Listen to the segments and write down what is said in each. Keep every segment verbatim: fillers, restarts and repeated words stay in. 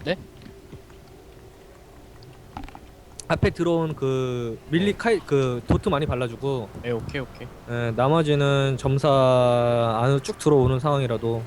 네? 앞에 들어온 그 밀리 카이 그 도트 많이 발라주고 네, 오케이 오케이. 에, 나머지는 점사 안으로 쭉 들어오는 상황이라도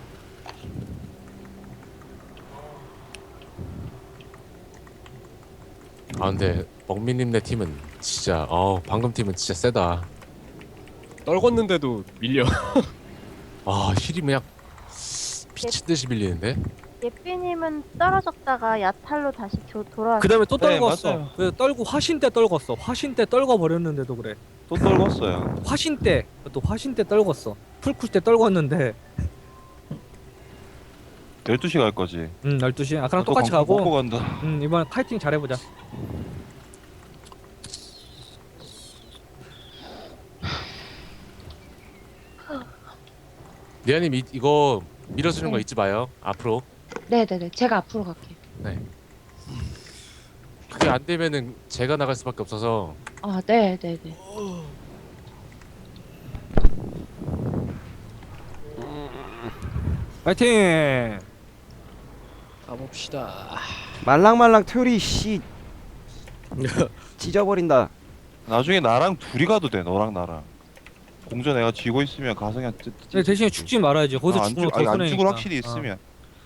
아 근데 먹미님네 팀은 진짜 어 방금 팀은 진짜 세다. 떨궜는데도 밀려. 아 힐이 그냥 미친 듯이 밀리는데. 예삐님은 떨어졌다가 야탈로 다시 교, 돌아왔어요. 그 다음에 또 네, 떨궜어. 맞아요. 그래서 떨고 화신 때 떨궜어. 화신 때 떨궈 버렸는데도 그래. 또 떨궜어요. 화신 때 또 화신 때 떨궜어. 풀쿨 때 떨궜는데 열두 시 갈 거지. 음 열두 시 아까랑 또 똑같이 광고 먹고 가고 간다. 음 이번 카이팅 잘해보자. 리아님 이, 이거 밀어주는 거 잊지 마요. 앞으로. 네네네. 제가 앞으로 갈게요. 네. 그게 안 되면은 제가 나갈 수밖에 없어서. 아, 네네네. 파이팅. 가봅시다. 말랑말랑 튜리 씨 찢어버린다. 나중에 나랑 둘이 가도 돼. 너랑 나랑. 공전 내가 쥐고 있으면 가서 그냥 찢. 근데 대신에 죽지 말아야지. 거기서 아, 안 죽으면 죽, 아니, 더 안 손해니까. 죽을 확실히 있으면.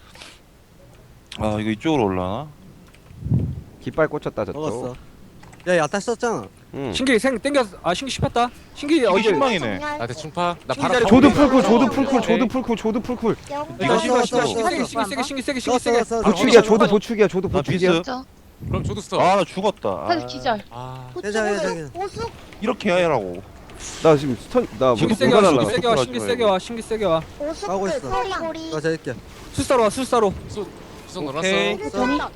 아 이거 이쪽으로 올라나? 깃발 꽂혔다 먹었어. 저쪽. 야 야타 썼잖아. 응. 신기 생 땡겨. 아 신기 씹혔다. 신기 이게 어제 신망이네. 나 대충 파. 나 신기 바로 자리 조드 오케이. 풀쿨, 조드 오케이. 풀쿨, 조드 풀쿨, 조드 풀쿨. 이거 신기 썼어, 신기 썼어, 신기 썼어. 세게 신기 세게 신기 세게 신기 썼어 세게. 썼어. 보축이야, 조드 보축이야, 조드 나 보축이야. 비스. 저 그럼 저도 써. 아 나 죽었다. 사실 아, 기절. 아. 해자 해자 해자. 이렇게 해라고. 나 지금 스턴 나뭐 신기 세게 누가 와. 신기 날라? 세게 와. 신기 세게 와. 신기 세게 와. 가고 있어. 나 재밌게. 술사로 와. 술사로. 수성 오케이. 넣어놨어.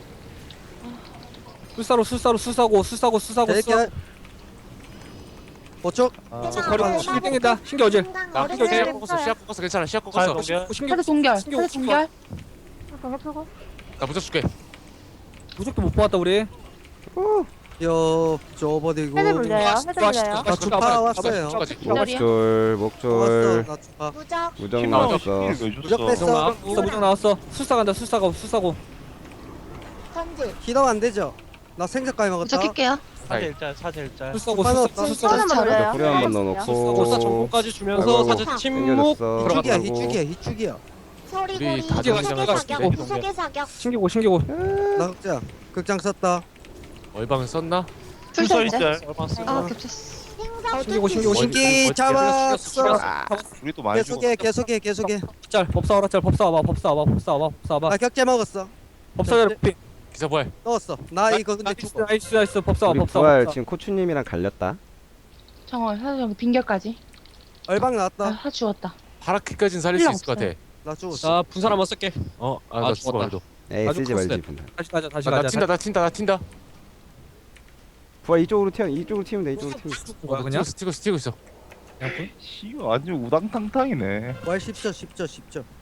술사로 술사로 술사고 술사고 술사고 재밌게. 술사고. 보축. 버리고 신기 땡긴다. 신기 어제. 나 신기 어제. 시약 꺾었어. 시약 꺾었어. 괜찮아. 시약 꺾었어. 신기 사실 동결. 신기 사실 동결. 나 무적 줄게. 무적도 못 뽑았다 우리. 요 저버디고. 헤드 불려요. 헤드 불려요. 아, 주파 왔어요. 주까지. 기다려. 목줄, 왔어. 목줄. 나 주파. 무정 왜 나왔어. 무적 줬어? 뺐어. 나왔어. 무적 나왔어. 술사 간다. 술사고 술사고. 히더 안 되죠? 나 생색까지 먹었다. 도착할게요. 아이. 사제일자 사제일자 술사고 하나 술사고 없다. 술사고. 저는 불려요. 불에 한번 네. 넣어놓고. 불사 정보까지 주면서 아이고, 사제 아이고. 침묵 땡겨졌어. 희죽이야 들어가고. 희죽이야 희죽이야. 우리 다 정리장을 구속의 사격. 신기고 신기고. 나 극장. 극장 썼다. 얼방은 썼나? 출사 이제. 짤 얼마스 아, 겹쳤어. 신기고 신기고 신기. 신기 잡았어. 우리 또 많이 계속해 죽었어. 계속해 계속해. 짤 법사 와라 짤 법사 와봐 법사 와봐 법사 와봐 법사 와봐. 나 격제 먹었어. 법사 자리 피. 기사 부활. 넣었어. 나 이거 근데 나이스 죽어. 나이스 나이스 법사 와 우리 법사 부활 법사. 지금 코추님이랑 갈렸다. 정월. 사실 여기 빈결까지. 얼방 아, 나왔다. 하 죽었다. 파라키까지는 살릴 수 필요 있을 것 같아. 나 죽었어. 자 분산 한번 쓸게. 어, 아, 아, 나 죽었다. 죽어. 에이 아주 쓰지 컸어. 말지 분단. 다시 가자 다시 아, 나 가자. 튄다, 나 튄다, 나 튄다. 부활 이쪽으로 튀어, 이쪽으로 튀면 돼, 이쪽으로 튀면 돼. 뭐야 그냥? 튀고 있어, 튀고 있어. 씨 완전 우당탕탕이네. 월 십 초 십 초 십 초.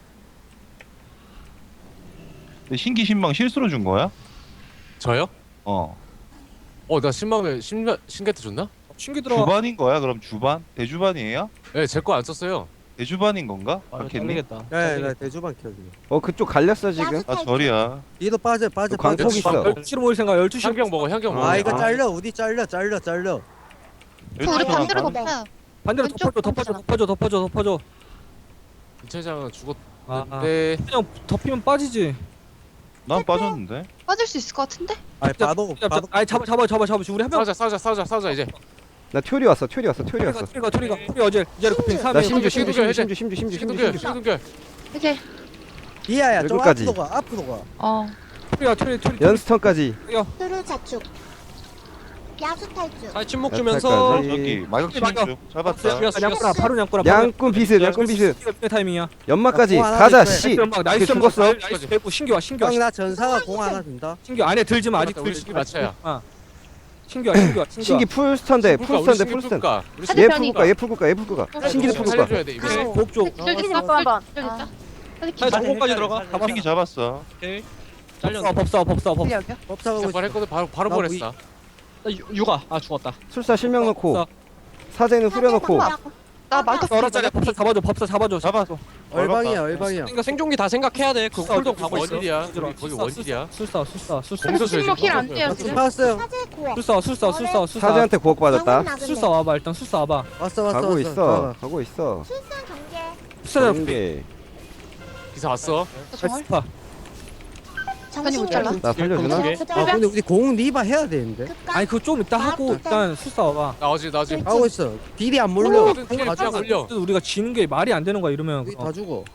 근데 신기 신망 실수로 준 거야? 저요? 어. 어, 나 신망을 신가 신게트 줬나? 신기 들어와. 주반인 거야? 그럼 주반? 대주반이에요? 네, 제 거 안 썼어요. 대주반인 건가? 아 이거 박했니? 잘리겠다. 네, 네 대주반 켜지. 어 그쪽 갈렸어 지금. 아 절이야. 뒤로 빠져 빠져 광폭 빠져. 있어. 열두 시로 모일 생각 열두 시. 향경 먹어, 향경 먹어. 아 이거 아. 잘려 우디 잘려 잘려 잘려. 우리 반대로 덮어. 반대로 왼쪽 덮어줘 덮어줘 덮어줘 덮어줘 덮어줘. 김차장은 아, 죽었는데 그냥 덮이면 빠지지. 난 빠졌는데. 빠질 수 있을 것 같은데? 아 바도 잡, 바도. 잡, 아니 잡아 잡아 잡아 잡아. 우리 한 명. 싸우자, 싸우자, 싸우자, 싸우자 이제. 나 튜리 왔어, 튜리 왔어, 튜리 토리가 왔어. 토리가 토리가 토리 어제 이제를 kup인 나 삼 심주, 심주, 심주, 심주, 심주, 심주, 심주, 심주, 시동결, 심주. 시동결. 이제. 이하야 좀 여기까지. 앞으로 가 앞으로 가. 어. 토리가 토리 토리. 연스턴까지. 뚜루 자축. 야수 탈주. 자 침묵 야, 주면서 잠깐. 저기 마격 치는 중. 잘 봤다. 죽였어 양꾸나 죽였어. 바로 양꾸나. 양꾼 비스, 양꾼 비스. 몇 타이밍이야? 연막까지. 어, 하나 가자, 있어요. 씨. 연막 나이스 이렇게 연막 죽었어. 나이스 배고 신기와 신기와 형나 전사가 공 하나 준다. 신기 안에 들지 마 아직 우리 들지 신기 마. 맞춰야. 아. 신기와 신기와 신기와. 신기 풀 스턴데, 풀 스턴데, 풀 스턴. 풀까? 우리 사제 얘 편이. 풀국가, 얘 풀국가, 얘 풀국가. 신기도 풀국가. 살려줘야 돼, 이거. 복조. 기절 어, 됐어. 한번. 기절 됐어. 사실 자 기절. 정보까지 들어가. 신기 잡았어. 오케이. 법사 잘렸네. 법사 법사 법사. 여기요. 법사가고 있어. 부활했거든. 바로 바로 나 부활했어. 나 유- 육아. 아 죽었다. 술사 실명 넣고. 법사. 사제는 후려놓고. 나 말타 얼었잖아. 법사 잡아줘. 법사 잡아줘. 잡았어. 얼방이야 얼방이야. 그러니까 생존기 다 생각해야 돼. 그 술사 쿨도 어디 가고 있어. 원일이야. 술사, 거기 거기 술사, 원일이야. 술사 술사 술사 공수 줘야지. 침묵 힐안 돼요 나 지금. 봤어요. 사제 고어. 술사 술사 술사 술사 사제한테 구억 받았다. 술사 와봐. 일단 술사 와봐. 왔어 왔어 가고 왔어. 있어. 가고 있어. 출산 경계. 술사 경계. 기사 왔어. 정월. 스파. 아니, 못 잘라. 나 살려주나? 아 근데 우리 공 리바 해야 되는데. 아니 그거 좀 이따 하고 일단 술사 와봐. 나오지 나오지. 하고 있어. 딜이 안 몰려. 모든 딜이 다 몰려. 우리가 지는 게 말이 안 되는 거야 이러면. 우리 어. 다 죽어.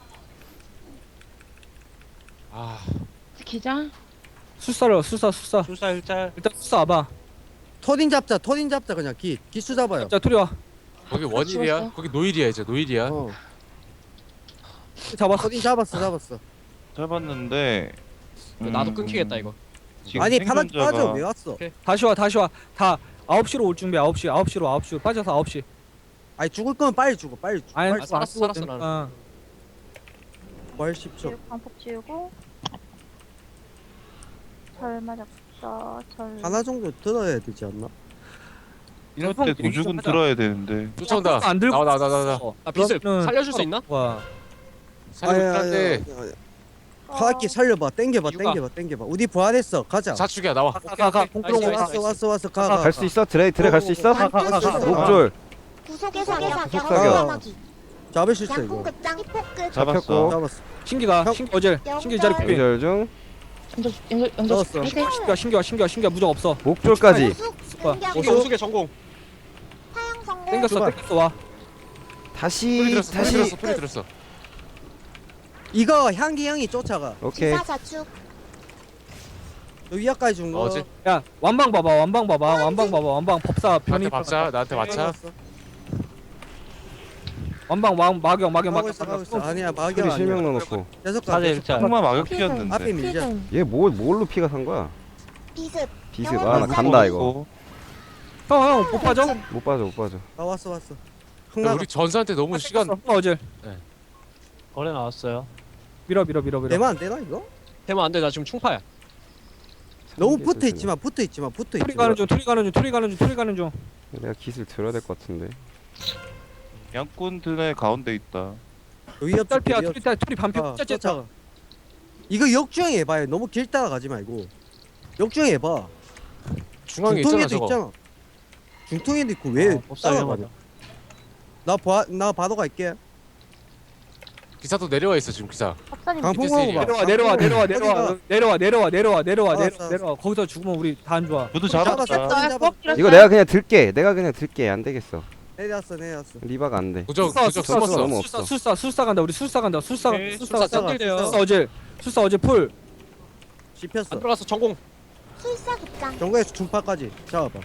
아 기자. 술사를 술사 술사. 술사 일짤. 일단 술사 와봐. 토딘 잡자. 토딘 잡자 그냥 기 기수 잡아요. 자 토리 와. 거기 원일이야. 죽었어. 거기 노일이야 이제 노일이야. 어. 잡았어. 토딘 잡았어 잡았어. 잡았는데. 나도 음, 끊기겠다 이거. 지금 아니 바닥 생존자가- 빠져 왜 왔어? 다시 와 다시 와. 다 아홉 시로 올 준비. 아홉 시 아홉 시로 아홉 시로 빠져서 아홉 시. 아니 죽을 거면 빨리 죽어 빨리 죽어. 아니 빨리 아, 죽어. 살았어 살았어 나는. 어. 부활 십 초. 지우고 광폭 지우고. 절 맞았어. 절. 하나 정도 들어야 되지 않나? 이럴 때 도죽은 들어야 되는데. 쫓아온다. 안 들고 나와 나와 나와 나와. 어. 나 빛을 그러면은 살려줄 수 있나? 와. 살리고 있는데 카aki 살려봐 땡겨봐 이유가- 땡겨봐 땡겨봐. 우리 부활했어 가자. 자축이야 나와. 가가 공프로 나이스, 가. 나이스. 왔어 왔어 왔어 가. 가, 갈 수 있어? 드레이 드레이 갈 수 있어? 가, 가, 가, 가. 목줄 구속의 사격. 구속 사격. 잡을 수 있어 양궁 이거. 급장. 히포크. 잡았어. 잡혔고. 잡았어. 신기가 형. 신기 어제 신기 자리 쿠비. 연결 중. 연결 연결 연결. 넣었어. 해제. 신기가 신기가 신기가 신기가 무적 없어. 목줄까지. 구속. 봐. 공격. 오 정수의 전공. 사형 성공. 땡겼어 출발. 땡겼어 와. 소리 다시 들었어. 소리 다시. 들었어. 소리 들었어. 이거 향기 형이 쫓아가. 오케이. 기사 자축. 너 위아까지 준 거. 어제 야 완방 봐봐 완방 봐봐 완방 봐봐 완방 법사 변이 나한테 박자 나한테 맞자. 완방 왕 마경 마경 가고 마경 있어 가고 있어. 마경. 아니야 소리 마경 실명 아니야. 넣어놓고. 계속 가. 사제 계속 일짤. 가. 흑마 마격 필승. 튀었는데. 앞에 밀자. 필승. 얘 뭘 뭘로 피가 산 거야? 비습. 비습. 아 나 간다 이거. 형형 못 빠져? 못 빠져 못 빠져. 아 왔어 왔어. 근데 흥나. 우리 전사한테 너무 시간 형 어제 거래 나왔어요. 밀어 밀어 밀어 밀어. 되면 안 되나 이거? 되면 안 돼. 나 지금 충파야. 너무 삼 개 붙어 있지마 붙어 있지마 붙어 토리 있지마. 가는 중 토리 가는 중 토리 가는 중 토리 가는 중. 내가 기술 들어야 될 것 같은데. 양꾼 드네 가운데 있다. 위협 딸피야 위협. 토리 딸 토리 반피 아, 짜짜. 쫓아가. 이거 역주행 해봐요. 너무 길 따라가지 말고. 역주행 해봐. 중앙에 있잖아 중통에도 저거. 있잖아. 중통에도 있고 왜 어, 법사 따라가냐? 위험하다. 나 봐, 나 바로 갈게. 기사도 내려와 있어 지금 기사. 박사님 강풍 밑에 먹어봐. 내려와 내려와 내려와 내려와 내려와 내려와 내려와 내려와 알았어, 내려와 내려와 거기서 죽으면 우리 다 안 좋아. 저도 잡았어. 잡았다. 잡았어. 이거 내가 그냥 들게. 내가 그냥 들게. 안 되겠어. 내렸어, 내렸어. 리바가 안 돼. 도적 술사, 도적 술사, 숨었어. 너무 술사 없어. 술사 술사 간다 우리 술사 간다 술사 오케이, 술사 술사 술사 땡길게요. 술사 어제 술사 어제 풀 씹혔어. 안 들어갔어 전공. 술사 급장. 정거에서 중파까지 잡아봐.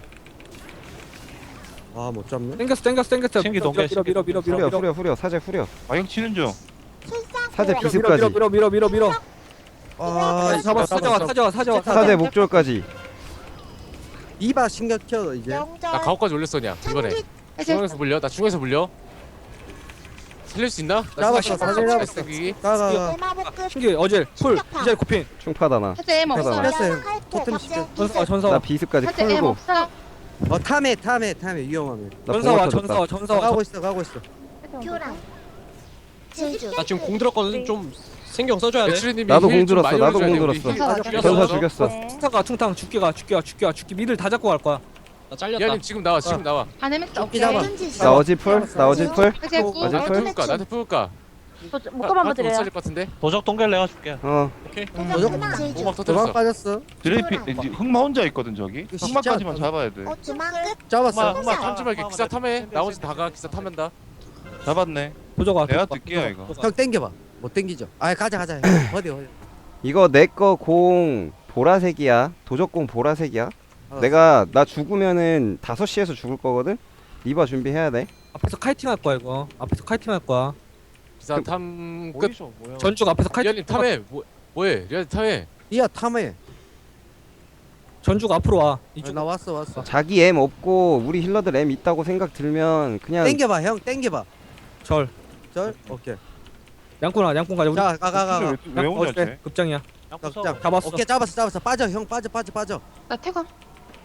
아, 못 잡네. 땡겼어 땡겼어 땡겼어 신기 밀어 동계, 밀어 밀어 밀어 밀어 후려 밀어 후려 후려 사제 후려. 마격 치는 중. 술사 사제 고어. 비습. 밀어 밀어 밀어 밀어 밀어 아, 잡았어 사자와 사자와 사자와 사제 목줄까지. 이바 신경 켜 이제. 영절. 나 가오까지 올렸어냐 이번에. 참깃. 해제. 중앙에서 물려. 나 중앙에서 물려. 살릴 수 있나? 나 잡았어, 시간 사제 시간 잡았어. 땡기기. 가, 가, 가. 대마복급. 신기 어제 풀 이제 코핀 충파다 나. 해제 뭐 해봐. 없어. 씹혔어요. 칼퇴, 토템 박제. 씹혔어. 전사와 나 전사와 비습까지 해제 풀고. 없어. 어, 탐해, 탐해, 탐해. 위험하면. 나 전사와 봉화 터졌다. 전사와 전사와 가고 있어, 가고 있어. 교랑. 질주. 나 지금 공 들었거든. 좀 신경 써줘야 돼. 배추리님이 나도 힐 공 좀 들었어, 많이 나도 올려줘야 공 돼, 우리 들었어. 힐. 전사 죽였어. 전사 죽였어. 네. 퉁타가 퉁탕 죽기가 죽기가 죽기가 죽기 미들 다 잡고 갈 거야. 나 잘렸다. 이하님 지금 나와 지금 나와. 반해면 죽기 잡아. 질주. 나 어지 풀? 나 어지 풀? 해제 구. 맞아. 나한테 풀까? 나한테 풀까? 목감 한번 못 드려요. 살릴 것 같은데. 도적 동결 내가 줄게. 어. 도적 질주. 오막 도망 터뜨렸어. 빠졌어. 드레이피 이제 흑마 혼자 있거든 저기. 이거 진짜 흑마까지만 잡아야 돼. 어, 주망급. 잡았어. 흑마 흑마 탐지 말게. 기사 탐해. 나머지 다가 기사 탐한다. 잡았네. 도저가 내가 뜰게요 이거. 형 땡겨봐. 못 땡기죠. 아, 가자, 가자. 어디, 어디. 이거 내 거 공 보라색이야. 도적공 보라색이야. 알았어. 내가 나 죽으면은 다섯 시에서 죽을 거거든. 리바 준비해야 돼. 앞에서 카이팅 할 거야 이거. 앞에서 카이팅 할 거야. 기사 탐 끝. 어디서 뭐야? 전죽 앞에서 카이팅. 리아님 탐해. 뭐 뭐해? 리아님 탐해. 이야, 탐해. 전죽 앞으로 와. 아, 이쪽. 나 왔어, 왔어. 자기 M 없고 우리 힐러들 M 있다고 생각 들면 그냥 땡겨봐, 형. 땡겨봐. 절. 절, 오케이. 양꾼아 양꾼 가자. 우리 자, 가, 가, 가. 가. 왜, 왜 혼자 어제 쟤? 급장이야. 자, 잡았어. 오케이, 잡았어, 잡았어. 빠져, 형. 빠져, 빠져, 빠져. 나 태광.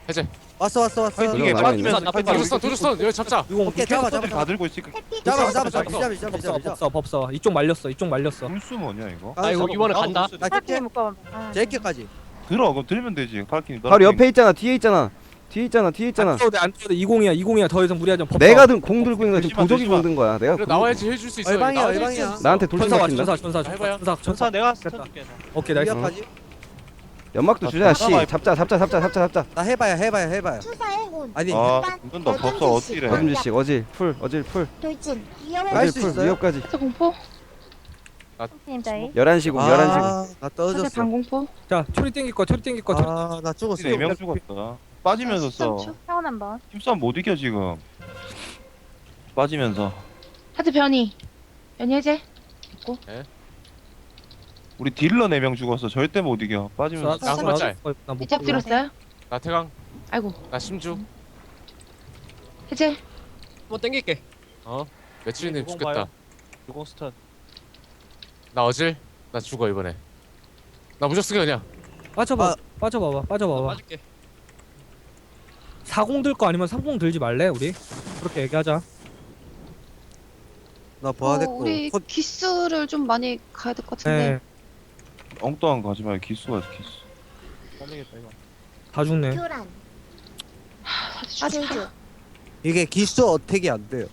해제. 왔어 왔어 왔어. 파이팅해 이거 빠지면서 나쁘다. 빠지면서 도주스턴 도주스턴 여기 잡자. 이거 오케이 잡아 잡아 다 들고 있으니까 해피 잡아 조심. 잡아 잡아 잡아 잡아 법사 잡아. 법사 법사 이쪽 말렸어 이쪽 말렸어. 불수 뭐냐 이거? 아 이거 이번에 간다. 나 팔 피 킬게. 묶어. 아, 제끼까지. 들어 그럼 들면 되지 칼키니 바로 옆에 있잖아. 뒤에 있잖아. 뒤에 있잖아. 뒤에 있잖아. 안 써도 돼안 써도 돼. 이공이야 이공이야 더 이상 무리하지 마. 법사. 내가 든 공 들고 있는 거 지금 조심하, 도적이 조심하. 공 든 거야. 내가 그래 공- 나와야지 해줄 수 있어. 얼방이야, 나와야지 얼방이야. 해줄 수 있어. 나한테 돌진 전사 와 시킨다. 전사 전사 해봐요. 전사 전사 전사 내가 스턴 됐다. 줄게. 오케이 나이스. 여기까지. 연막도 아, 주자. 씨. 잠깐만. 잡자 잡자 잡자 잡자 잡자. 나 해봐야 해봐야 해봐야. 투사의 혼. 아니 아 이건다 법사 어찌래 어둠지식 어질 풀 어질 풀 돌진. 위험해. 갈 어질 수 풀 있어요? 위협까지. 사제 공포. 팀 다이. 열한 시공 열한 시공. 아, 나 사제 떨어졌어. 반공포. 자 초리 땡길 거 초리 땡길 거. 초리. 아, 나 죽었어. 네 명 죽었다 빠지면서 써 사원 한 번. 힘싸움 못 이겨 지금 빠지면서 사제 변이. 변이 해제. 우리 딜러 네 명 죽었어 절대 못 이겨 빠지면서 나 한번 짤. 나못 이제 들었어요? 나 태강. 아이고. 나 심주. 해제. 한번 땡길게. 며칠이님 유공 죽겠다. 봐요. 유공 스턴. 나 어질. 나 죽어 이번에. 나 무적 쓰게 그냥. 빠져봐 아. 빠져봐봐 빠져봐봐. 빠질게. 사공 들 거 아니면 삼공 들지 말래 우리. 그렇게 얘기하자. 나 부하됐고. 우리 헛- 기수를 좀 많이 가야 될 것 같은데. 네. 엉뚱한 거 하지 말고 기수가 기수 빠지겠다 이거. 다 죽네. 교란. 사제 죽 제주. 이게 기수 어택이 안 돼요.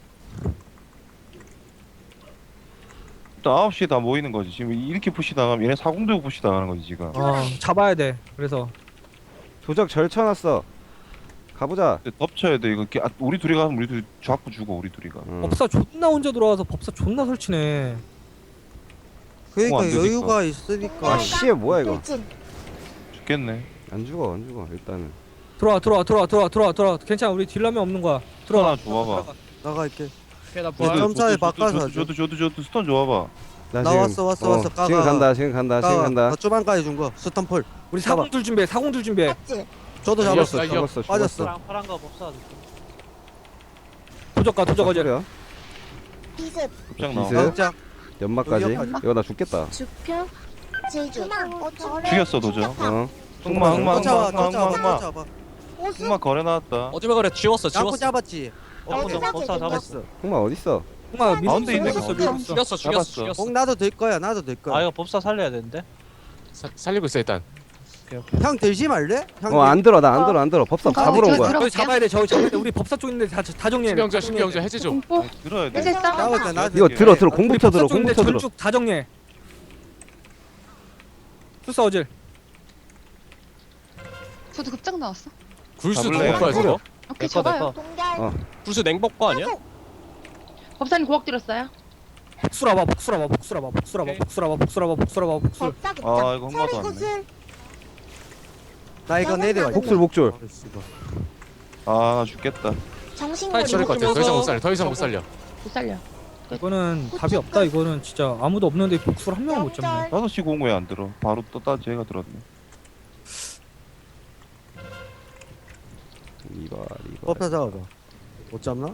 일단 아홉 시에 다 모이는 거지 지금 이렇게 푸시 당하면 얘네 사공 들고 푸시 당하는 거지 지금 어 잡아야 돼. 그래서 도적 절쳐놨어. 가보자. 근데 덮쳐야 돼 이거 기- 아, 우리 둘이 가면 우리 둘이 자꾸 죽어 우리 둘이 가 응. 법사 존나 혼자 들어와서 법사 존나 설치네. 그러니까 안 되니까. 여유가 있으니까. 아 씨 뭐야 이거. 돌진. 죽겠네 안 죽어 안 죽어 일단은. 들어와 들어와 들어와 들어와 들어와 들어와. 괜찮아 우리 딜라면 없는 거야. 들어와. 스턴 하나 줘봐봐 나갈게. 오케이 나 네, 부활. 좀- 점차에 저도, 바꿔서 저도, 하죠. 저도 저도 저도 스턴 줘봐봐 나 나 지금- 왔어, 왔어, 어, 왔어. 까가. 지금 간다 지금 간다 지금 나 간다. 주방까지 준 거. 스턴폴. 우리 잡아. 사공 들 준비해. 사공 들 준비해. 탑질. 저도 나 잡았어. 이겼어. 죽었어 빠졌어. 죽었어. 파란 거 법사. 도적가 도적 어제. 소리야? 비습. 급장 나와 비스? 진짜. 연막까지. 여기까지. 이거 나 죽겠다. 주표. 제주. 희망. 죽였어 도저 어. 흑마 흑마 흑마 쫓아와, 흑마 쫓아와, 흑마 쫓아와. 오수. 흑마 거래 나왔다 어쩌면 그래 지웠어 잡고 지웠어. 잡았지. 어, 법사 법사 제주. 잡았어. 흑마 어딨어? 홍아 가운데 밀었어 있네, 밀었어 가운데. 밀었어. 죽였어 죽였어 잡았어. 죽였어. 꼭 나도 될 거야. 나도 될 거야. 아 이거 법사 살려야 되는데. 사, 살리고 있어 일단. 형 들지 말래? 형 어 안 들어 나 안 들어 안 들어. 법사 어, 잡으러 온 저 거야. 들어- 저기 잡아야 돼. 저기 잡아야 돼. 우리 법사 쪽 있는데 다, 다 정리해. 신경자 신경자 해제 좀. 공포. 들어야 돼 해제 싸움. 잡았다. 나 이거 들어 들어 우리 공부터 들어 법사 쪽 있는데 공부터 들어. 전축 다 정리해. 수사 어질. 저도 급장 나왔어. 굴수 잡을래요? 누구 거야 저거? 오케이 내꺼, 잡아요. 동결. 어. 불수 냉복 거 아니야? 법사님 고학 들었어요? 복수라봐 복수라봐 복수라봐 복수라봐 오케이. 복수라봐 복수라봐 복수라봐 복수. 법사 급장. 아 이거 흑마도 소리 왔네 구슬. 나 이거 내려와. 복술 복줄. 아 죽겠다 정신고리. 살릴 것 같아. 더 이상 못 살려. 더 이상 못 살려. 못 살려. 이거는 답이 없다. 이거는 진짜 아무도 없는데 복수를 한 명을 못 잡네. 다섯 시 공왜 안 들어 바로 떴다 쟤가 들었네 이봐 이봐. 법사 잡아봐. 못 잡나?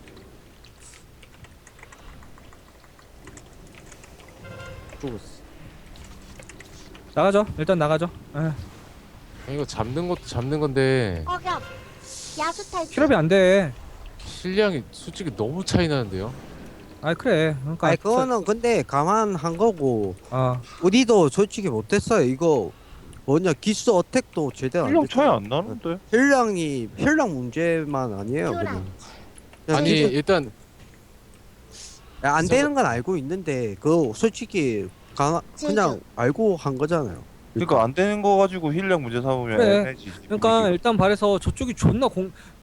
죽었어. 나가죠. 일단 나가죠. 에, 이거 잡는 것도 잡는 건데 어격. 야수 탈출. 힐업이 안 돼. 실량이 솔직히 너무 차이 나는데요. 아 그래. 그러니까 아니 그거는 근데 감안한 거고 아 우리도 솔직히 못했어요. 이거 뭐냐 기수 어택도 제대로 안 힐량 됐잖아. 차이 안 나는데 힐량이 힐량 문제만 아니에요. 교란. 그냥. 그냥 아니 기수- 일단 야, 안 되는 건 알고 있는데 그 솔직히 가, 그냥 알고 한 거잖아요. 그러니까 안 되는 거 가지고 힐량 문제 삼으면 그래. 애매해지 그러니까 일단 발에서 저쪽이 존나 공